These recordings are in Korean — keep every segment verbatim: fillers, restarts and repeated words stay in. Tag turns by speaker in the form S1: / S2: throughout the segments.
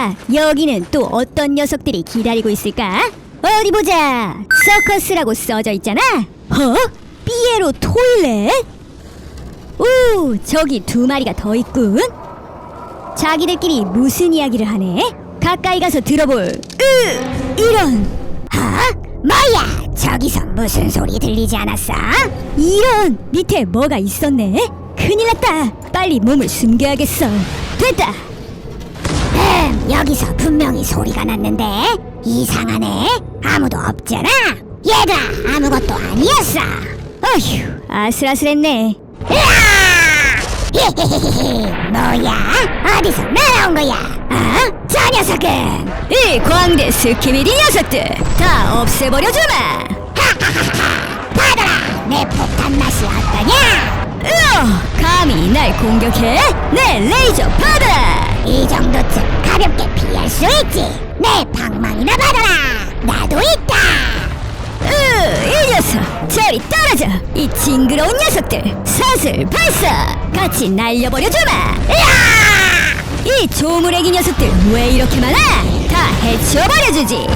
S1: 자, 여기는 또 어떤 녀석들이 기다리고 있을까? 어디 보자. 서커스라고 써져 있잖아. 어? 삐에로 토일렛? 오, 저기 두 마리가 더 있군. 자기들끼리 무슨 이야기를 하네? 가까이 가서 들어볼. 으, 이런.
S2: 어? 뭐야? 저기서 무슨 소리 들리지 않았어?
S1: 이런. 밑에 뭐가 있었네. 큰일 났다. 빨리 몸을 숨겨야겠어. 됐다.
S2: 음, 여기서 분명히 소리가 났는데 이상하네. 아무도 없잖아. 얘들아, 아무것도 아니었어.
S1: 어휴, 아슬아슬했네.
S2: 으아! 히히히히, 뭐야? 어디서 날아온 거야? 어? 저 녀석은
S1: 이 광대 스키비디 녀석들 다 없애버려주마.
S2: 하하하하, 받아라. 내 폭탄 맛이 어떠냐?
S1: 으어, 감히 날 공격해? 내 레이저 받아라.
S2: 이 정도쯤 가볍게 피할 수 있지. 내 방망이나 받아라. 나도 있다.
S1: 으, 이 녀석 저리 떨어져. 이 징그러운 녀석들 사슬 발사. 같이 날려버려주마.
S2: 으아!
S1: 이 조물애기 녀석들 왜 이렇게 많아? 다 해치워버려주지.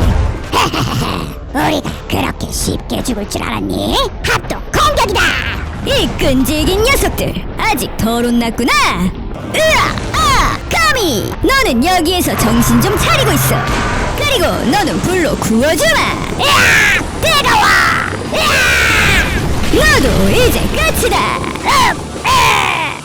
S2: 우리가 그렇게 쉽게 죽을 줄 알았니? 합동 공격이다.
S1: 이 끈질긴 녀석들 아직 덜 혼났구나. 으아, 아, 감히. 너는 여기에서 정신 좀 차리고 있어. 그리고 너는 불로 구워주마.
S2: 으아! 뜨거워. 으아!
S1: 너도 이제 끝이다.
S2: 음, 으,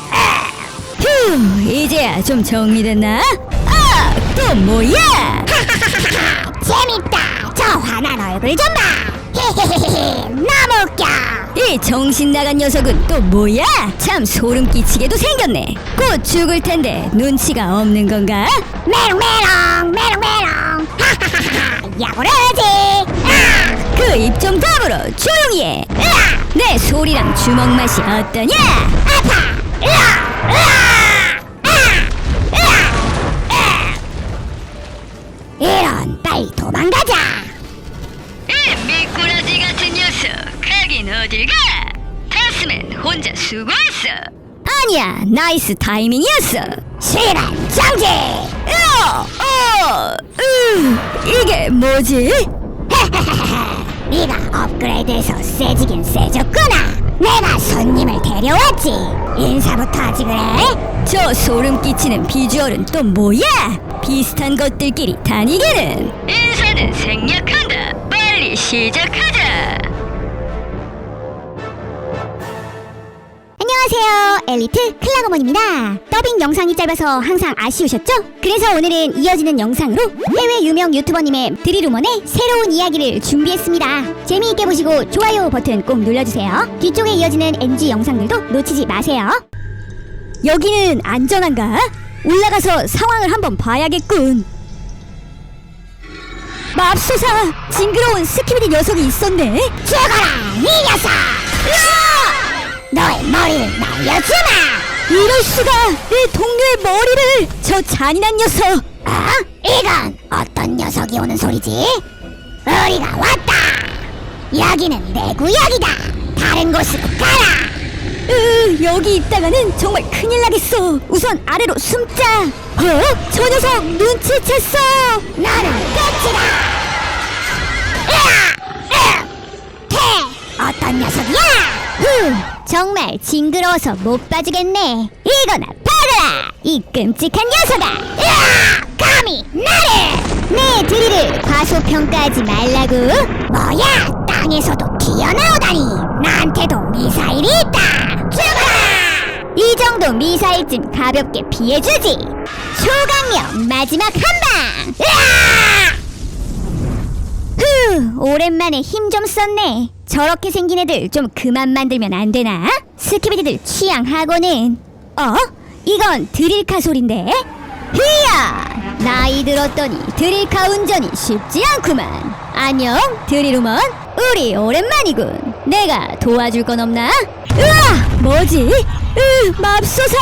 S1: 휴, 이제야 좀 정리됐나? 아, 또 뭐야?
S2: 하하하하, 재밌다. 저 화난 얼굴 좀 봐. 히히히히, 너무 웃겨.
S1: 이 정신 나간 녀석은 또 뭐야? 참 소름 끼치게도 생겼네. 곧 죽을 텐데 눈치가 없는 건가?
S2: 메롱메롱 메롱메롱. 하하하하, 야구르지. 아!
S1: 그 입 좀 다물어. 조용히 해.
S2: 으아!
S1: 내 소리랑 주먹 맛이 어떠냐?
S2: 아파. 으아! 으아! 아! 으아! 으아! 이런, 빨리 도망가자.
S1: 이 미꾸라지 같은 녀석, 가긴 어딜 가? 타스맨 혼자 수고했어. 아니야, 나이스 타이밍이었어.
S2: 시간 정지.
S1: 어, 어, 으, 이게 뭐지?
S2: 네가 업그레이드해서 세지긴 세졌구나. 내가 손님을 데려왔지. 인사부터 하지 그래?
S1: 저 소름 끼치는 비주얼은 또 뭐야? 비슷한 것들끼리 다니기는. 인사는 생략한다. 빨리 시작하자.
S2: 안녕하세요, 엘리트 클라고먼입니다. 더빙 영상이 짧아서 항상 아쉬우셨죠? 그래서 오늘은 이어지는 영상으로 해외 유명 유튜버님의 드리루먼의 새로운 이야기를 준비했습니다. 재미있게 보시고 좋아요 버튼 꼭 눌러주세요. 뒤쪽에 이어지는 엔지 영상들도 놓치지 마세요.
S1: 여기는 안전한가? 올라가서 상황을 한번 봐야겠군. 맙소사! 징그러운 스키비디 녀석이 있었네.
S2: 죽어라, 이 녀석! 너의 머리를 날려주마!
S1: 이럴 수가! 내 동료의 머리를! 저 잔인한 녀석!
S2: 어? 이건 어떤 녀석이 오는 소리지? 우리가 왔다! 여기는 내 구역이다! 다른 곳으로 가라!
S1: 으, 여기 있다가는 정말 큰일 나겠어. 우선 아래로 숨자. 어? 저 녀석 눈치챘어.
S2: 너는 끝이다! 으아! 으아! 태! 어떤 녀석이야?
S1: 후, 정말 징그러워서 못 봐주겠네. 이거나 받아라, 이 끔찍한 녀석아.
S2: 으아! 감히 나를!
S1: 내 드릴을 과소평가하지 말라고.
S2: 뭐야? 땅에서도 튀어나오다니! 나한테도 미사일이 있다! 죽어라!
S1: 이 정도 미사일쯤 가볍게 피해주지. 초강력 마지막 한방.
S2: 으아!
S1: 후, 오랜만에 힘 좀 썼네. 저렇게 생긴 애들 좀 그만 만들면 안 되나? 스키비디들 취향하고는. 어? 이건 드릴카 소린데? 히야! 나이 들었더니 드릴카 운전이 쉽지 않구만. 안녕, 드리루먼. 우리 오랜만이군. 내가 도와줄 건 없나? 으아! 뭐지? 으, 맙소사!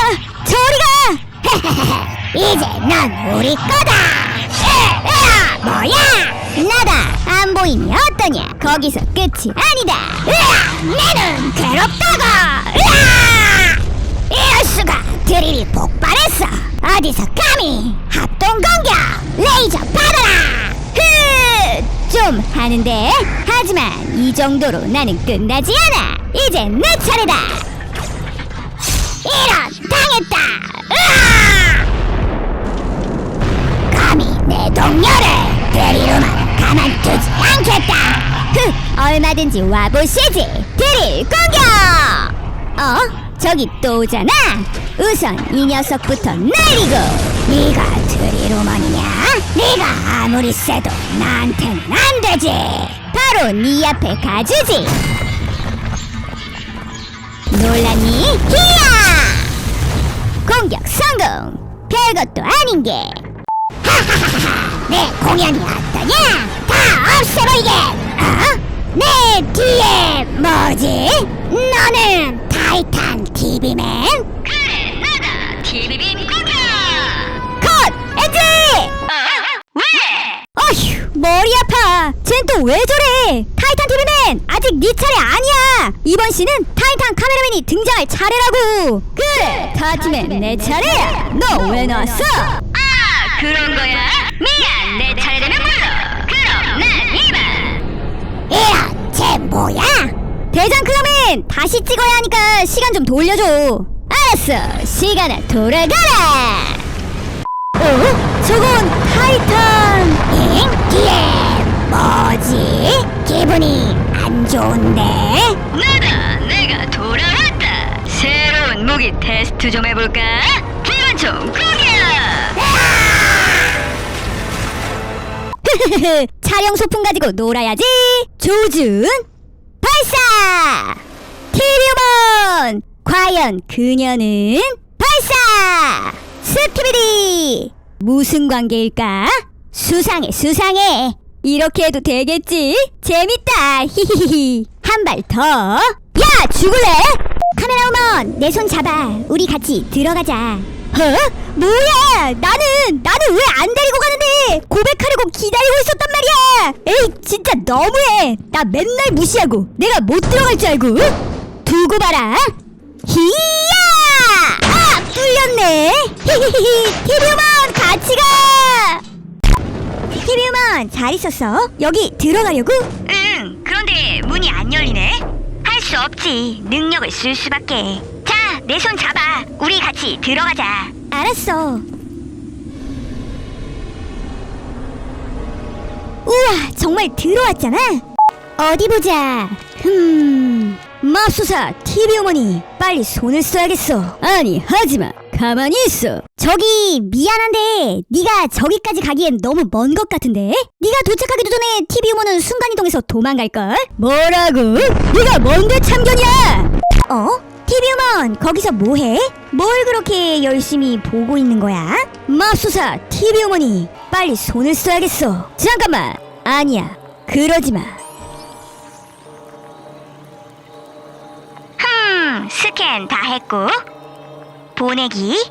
S1: 저리가!
S2: 이제 넌 우리 거다! 으, 으아! 뭐야?
S1: 나다! 안 보이니 어떠냐? 거기서 끝이 아니다!
S2: 으아! 내 눈 괴롭다고! 으아! 이럴 수가! 드릴이 폭발했어! 어디서 감히! 합동 공격! 레이저 받아라.
S1: 흐! 좀 하는데? 하지만 이 정도로 나는 끝나지 않아. 이제 내 차례다.
S2: 이런, 당했다. 으아! 감히 내 동료를 데리러만 가만두지 않겠다.
S1: 흐! 얼마든지 와보시지. 드릴 공격! 어? 저기 또 오잖아. 우선 이 녀석부터 날리고.
S2: 네가 드리루먼이냐? 네가 아무리 세도 나한테는 안 되지.
S1: 바로 네 앞에 가주지. 놀랐니? 히야! 공격 성공. 별것도 아닌 게.
S2: 내 공연이 어떠냐? 다 없애버리게. 어? 내 뒤에 뭐지? 너는 타이탄 티비맨?
S1: 그래, 나다. 티비빔 공격. 컷! 엔지! 왜? 어휴, 머리 아파. 쟨 또 왜 저래? 타이탄 티비맨, 아직 네 차례 아니야. 이번 시는 타이탄 카메라맨이 등장할 차례라고. 그래, 타티맨 내 차례야. 너 왜 나왔어? 아, 그런 거야? 미안, 내 차례 되면 불러. 그럼 난 이만.
S2: 이런, 쟤 뭐야?
S1: 대장 클라맨, 다시 찍어야 하니까 시간 좀 돌려줘. 알았어, 시간아 돌아가라. 어? 저건 타이탄.
S2: 응? 뒤에 뭐지? 기분이 안 좋은데?
S1: 나다, 내가 돌아왔다. 새로운 무기 테스트 좀 해볼까? 기관총 공격! 촬영 소품 가지고 놀아야지. 조준 발사. 티리오몬, 과연 그녀는 발사. 스키비디, 무슨 관계일까? 수상해 수상해. 이렇게 해도 되겠지? 재밌다. 히히히. 한 발 더. 야, 죽을래?
S2: 카메라우먼, 내 손 잡아. 우리 같이 들어가자.
S1: 어? 뭐야? 나는 나는 왜 안 데리고 가는데? 고백하려고 기다리고 있었단 말이야. 에이, 진짜 너무해. 나 맨날 무시하고 내가 못 들어갈 줄 알고. 두고 봐라. 히야! 아, 뚫렸네. 히히히. 티비우먼 같이 가. 티비우먼 잘 있었어? 여기 들어가려고? 응. 그런데 문이 안 열리네. 할 수 없지. 능력을 쓸 수밖에. 자, 내 손 잡아. 우리 같이 들어가자. 알았어. 우와, 정말 들어왔잖아. 어디 보자. 흠, 맙소사 티비어머니, 빨리 손을 써야겠어. 아니, 하지마. 가만히 있어. 저기 미안한데 네가 저기까지 가기엔 너무 먼 것 같은데? 네가 도착하기도 전에 티비어머는 순간이동해서 도망갈걸? 뭐라고? 네가 뭔데 참견이야? 어? 티비어먼, 거기서 뭐해? 뭘 그렇게 열심히 보고 있는 거야? 맙소사 티비어머니, 빨리 손을 써야겠어. 잠깐만. 아니야, 그러지마. 흠, 스캔 다 했고 보내기,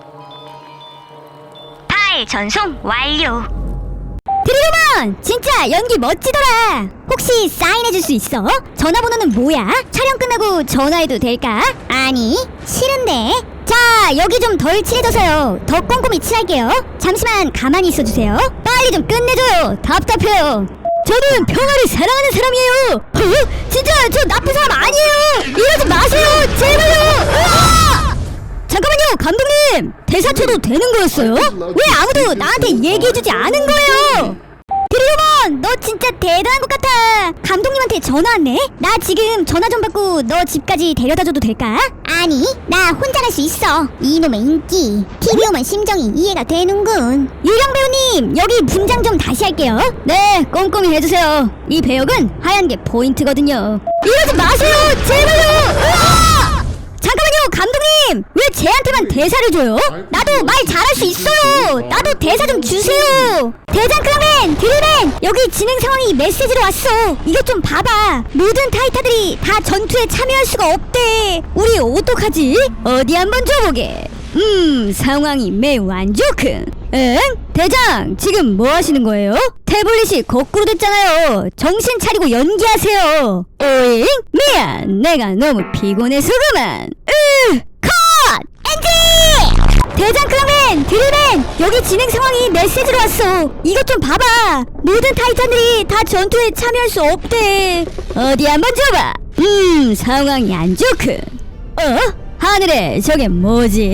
S1: 파일 전송 완료. 드리로먼, 진짜 연기 멋지더라. 혹시 사인해줄 수 있어? 전화번호는 뭐야? 촬영 끝나고 전화해도 될까?
S2: 아니, 싫은데.
S1: 자, 여기 좀 덜 칠해져서요. 더 꼼꼼히 칠할게요. 잠시만 가만히 있어주세요. 빨리 좀 끝내줘요. 답답해요. 저는 평화를 사랑하는 사람이에요. 어? 진짜 저 나쁜 사람 아니에요. 이러지 마세요. 제발요. 으아! 잠깐만요, 감독님. 대사 쳐도 되는 거였어요? 왜 아무도 나한테 얘기해주지 않은 거예요? 드리오먼, 너 진짜 대단한 것 같아. 감독님한테 전화 왔네. 나 지금 전화 좀 받고 너 집까지 데려다줘도 될까?
S2: 아니, 나 혼자 갈 수 있어. 이놈의 인기. 티비오만 심정이 이해가 되는군.
S1: 유령 배우님, 여기 분장 좀 다시 할게요. 네, 꼼꼼히 해주세요. 이 배역은 하얀 게 포인트거든요. 이러지 마세요, 제발요. 으아! 잠깐만요, 감독님. 왜 쟤한테만 대사를 줘요? 나도 말 잘할 수 있어요. 나도 대사 좀 주세요. 대장 클라맨, 드릴맨, 여기 진행 상황이 메시지로 왔어. 이것 좀 봐봐. 모든 타이타들이 다 전투에 참여할 수가 없대. 우리 어떡하지? 어디 한번 줘보게. 음, 상황이 매우 안 좋군. 응? 대장, 지금 뭐 하시는 거예요? 태블릿이 거꾸로 됐잖아요. 정신 차리고 연기하세요. 오잉? 미안, 내가 너무 피곤해서 그만. 으, 컷! 엔지! 대장 클랑맨! 드릴맨! 여기 진행 상황이 메시지로 왔어. 이것 좀 봐봐. 모든 타이탄들이 다 전투에 참여할 수 없대. 어디 한번 줘봐. 음, 상황이 안 좋군. 어? 하늘에 저게 뭐지?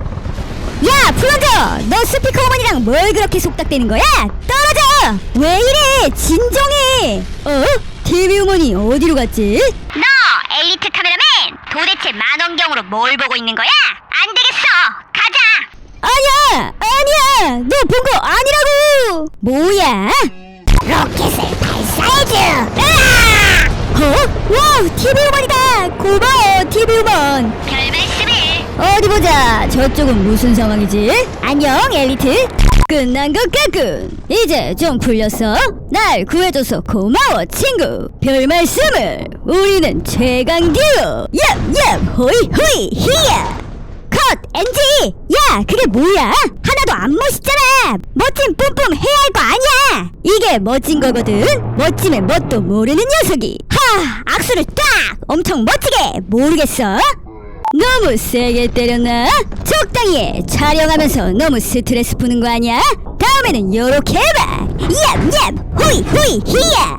S1: 야, 플런저! 너 스피커 어머니랑 뭘 그렇게 속닥대는 거야? 떨어져! 왜 이래? 진정해! 어? 티비 어머니 어디로 갔지?
S2: 너 엘리트 카메라맨 도대체 만원경으로 뭘 보고 있는 거야? 안 되겠어 가자
S1: 아니야! 아니야! 너 본 거 아니라고! 뭐야?
S2: 로켓을 발사해줘
S1: 어? 와우! 티비 우먼이다! 고마워 티비 우먼!
S2: 별 말씀을
S1: 어디 보자. 저쪽은 무슨 상황이지? 안녕 엘리트. 끝난 것 같군. 이제 좀 풀렸어? 날 구해줘서 고마워 친구. 별 말씀을. 우리는 최강 듀오. 얍얍 호이 호이 히야. 컷 엔지. 야 그게 뭐야? 하나도 안 멋있잖아. 멋진 뿜뿜 해야 할 거 아니야. 이게 멋진 거거든. 멋짐의 뭣도 모르는 녀석이. 하 악수를 딱 엄청 멋지게. 모르겠어? 너무 세게 때렸나? 적당히 해. 촬영하면서 너무 스트레스 푸는 거 아니야? 다음에는 요렇게 해봐. 얍얍 호이 호이 히야.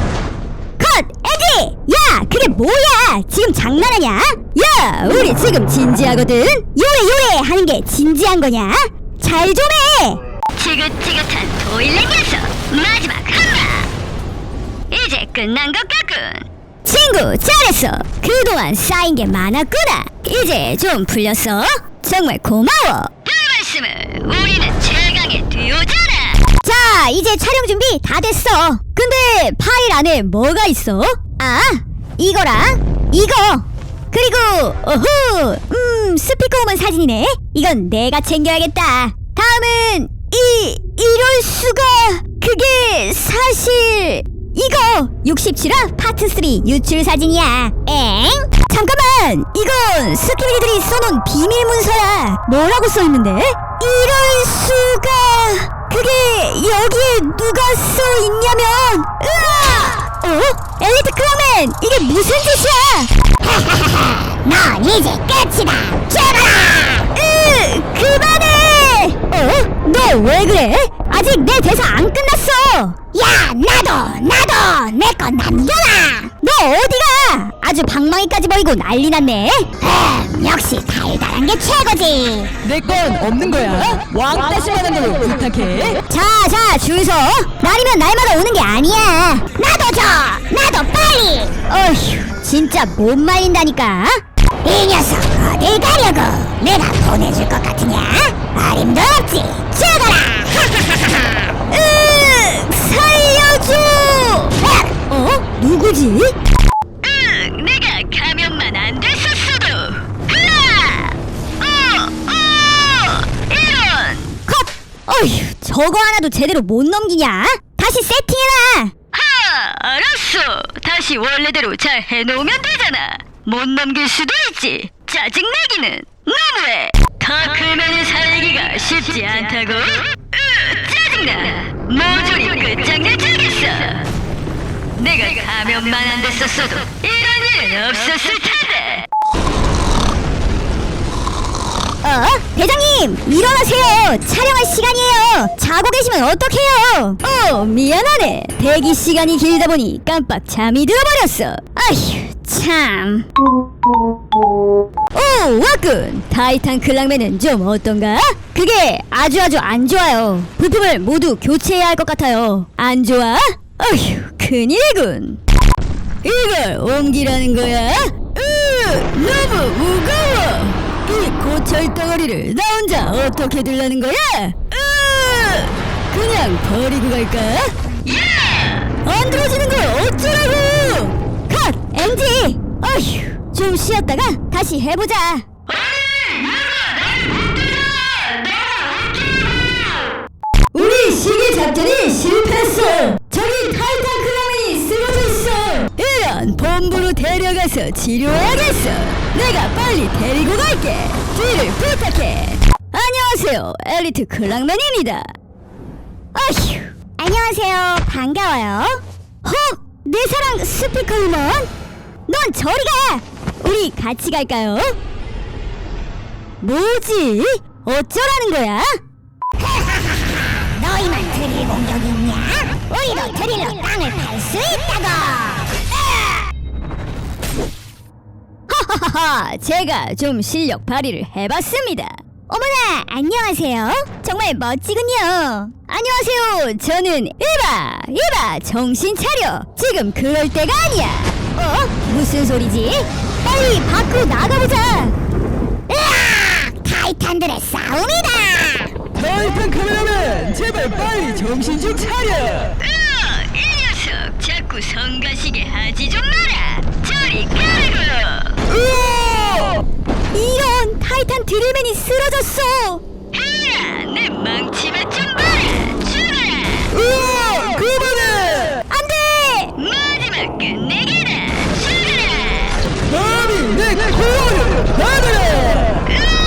S1: 컷 에디. 야 그게 뭐야? 지금 장난하냐? 야 우리 지금 진지하거든. 요래 요래 하는 게 진지한 거냐? 잘 좀 해.
S2: 지긋지긋한 도일렛 녀석 마지막 한방 이제 끝난 것 같군
S1: 친구 잘했어. 그동안 쌓인 게 많았구나. 이제 좀 풀렸어? 정말 고마워.
S2: 별 말씀을 우리는 최강의 듀오잖아
S1: 자 이제 촬영 준비 다 됐어. 근데 파일 안에 뭐가 있어? 아 이거랑 이거 그리고 어후 음 스피커우먼 사진이네. 이건 내가 챙겨야겠다. 다음은 이 이럴 수가. 그게 사실 이거 육십칠 화 파트 삼 유출 사진이야. 엥? 잠깐만 이건 스키비디들이 써놓은 비밀 문서야. 뭐라고 써있는데? 이럴 수가. 그게 여기에 누가 써있냐면 으아! 어? 엘리트 클랑맨 이게 무슨 짓이야?
S2: 넌 이제 끝이다 죽어라
S1: 으 그만해. 어? 너 왜 그래? 아직 내 대사 안 끝났어.
S2: 야 나도 나도 내 거 남겨라
S1: 너 어디가? 아주 방망이까지 보이고 난리 났네.
S2: 음 역시 달달한 게 최고지
S3: 내 건 없는 거야. 왕따시만한 걸로 부탁해.
S1: 자자 줄 서. 날이면 날마다 오는 게 아니야.
S2: 나도 줘 나도 빨리
S1: 어휴 진짜 못 말린다니까.
S2: 이 녀석 어딜 가려고 내가 보내줄 것 같으냐 어림도 없지 죽어라
S1: 으 살려줘. 어? 누구지?
S2: 응, 내가 감염만 안 됐었어도. 흐아! 어, 어, 이런.
S1: 컷. 어휴 저거 하나도 제대로 못 넘기냐? 다시 세팅해라.
S2: 하, 알았어. 다시 원래대로 잘 해놓으면 되잖아. 못 넘길 수도 있지. 짜증내기는 너무해. 더 크면은 살기가 쉽지 않다고. 으, 짜증나. 모조리 끝장내 주겠어. 내가 감염만 안 됐었어도 이런 일은 없었을 텐데.
S1: 어? 대장님 일어나세요. 촬영할 시간이에요. 자고 계시면 어떡해요. 어 미안하네. 대기 시간이 길다 보니 깜빡 잠이 들어버렸어. 아휴 참. 오 왔군. 타이탄 클랑맨은 좀 어떤가? 그게 아주 아주 안 좋아요. 부품을 모두 교체해야 할 것 같아요. 안 좋아? 어휴 큰일이군. 이걸 옮기라는 거야? 으 너무 무거워. 이 고철 덩어리를 나 혼자 어떻게 들라는 거야? 으 그냥 버리고 갈까? 안 들어지는 걸 어쩌라고. 컷 엔지. 어휴 좀 쉬었다가 다시 해보자. 우리 시기 작전이 실패했어. 저기 타이탄 클라맨이 쓰러져 있어. 이런 본부로 데려가서 치료해야겠어. 내가 빨리 데리고 갈게. 뒤를 부탁해. 안녕하세요 엘리트 클랑맨입니다. 아휴 안녕하세요 반가워요. 헉 내 사랑 스피커 우먼. 넌 저리 가. 우리 같이 갈까요? 뭐지? 어쩌라는 거야?
S2: 너희만 드릴 공격이 있냐? 우리도 드릴로 땅을 팔 수 있다고.
S1: 하하하, 제가 좀 실력 발휘를 해봤습니다. 어머나, 안녕하세요. 정말 멋지군요. 안녕하세요. 저는 에바, 에바, 정신 차려. 지금 그럴 때가 아니야. 어? 무슨 소리지? 빨리 밖으로 나가보자.
S2: 으악! 타이탄들의 싸움이다.
S3: 타이탄 카메라맨 제발 빨리 정신 좀 차려.
S1: 으아, 이 녀석 자꾸 성가시게 하지 좀 마라. 저리 가라고.
S3: 으아!
S1: 이런, 타이탄 드릴맨이 쓰러졌어. 헤야, 내 망치만 좀 봐라. 죽어라.
S3: 으아! 그만해!
S1: 안돼. 마지막 끝내기다. 죽어라.
S3: 감히 내 코어를 받아라!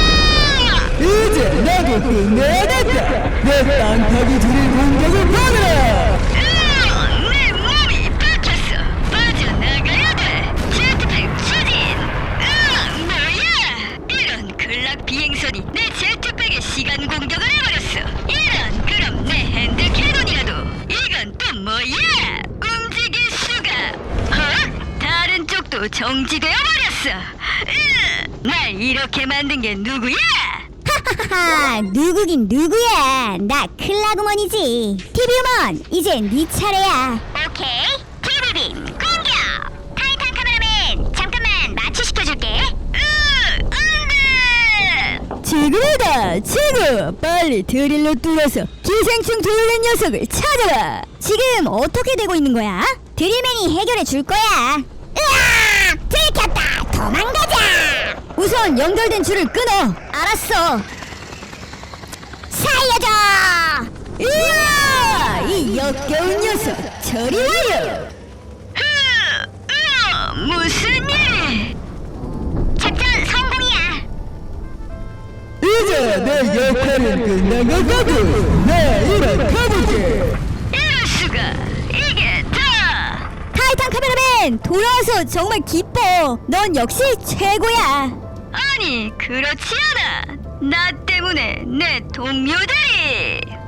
S3: 이제 나도 끝내야겠다. 내 땅타기 드릴 공격을 받아라!
S1: 으아, 내 몸이 박혔어. 빠져나가야 돼. 제트팩 추진. 으아, 뭐야? 이런 근락 비행선이 내 제트팩에 시간 공격을 해버렸어. 이런, 그럼 내 핸드 캐논이라도. 이건 또 뭐야? 움직일 수가. 어? 다른 쪽도 정지되어 버렸어. 으, 날 이렇게 만든 게 누구야?
S2: 하하하, 누구긴 누구야? 나 클라그먼이지. 티비우먼, 이제 네 차례야.
S1: 오케이, 티비빔 공격! 타이탄 카메라맨, 잠깐만 마취시켜줄게. 으, 안돼! 지금이다, 지금! 빨리 드릴로 뚫어서 기생충 돌린 녀석을 찾아라! 지금 어떻게 되고 있는 거야?
S2: 드릴맨이 해결해 줄 거야. 으악! 들켰다. 도망가자.
S1: 우선 연결된 줄을 끊어! 알았어!
S2: 살려줘.
S1: 이야! 이 역겨운 녀석, 저리 와요! 무슨 일?
S2: 작전 성공이야.
S3: 이제 내 역할은 끝난 것 같고 나 이만 가볼게.
S1: 이럴 수가! 이게 다! 타이탄 카메라맨! 돌아와서 정말 기뻐! 넌 역시 최고야! 아니, 그렇지 않아! 나 때문에 내 동료들이!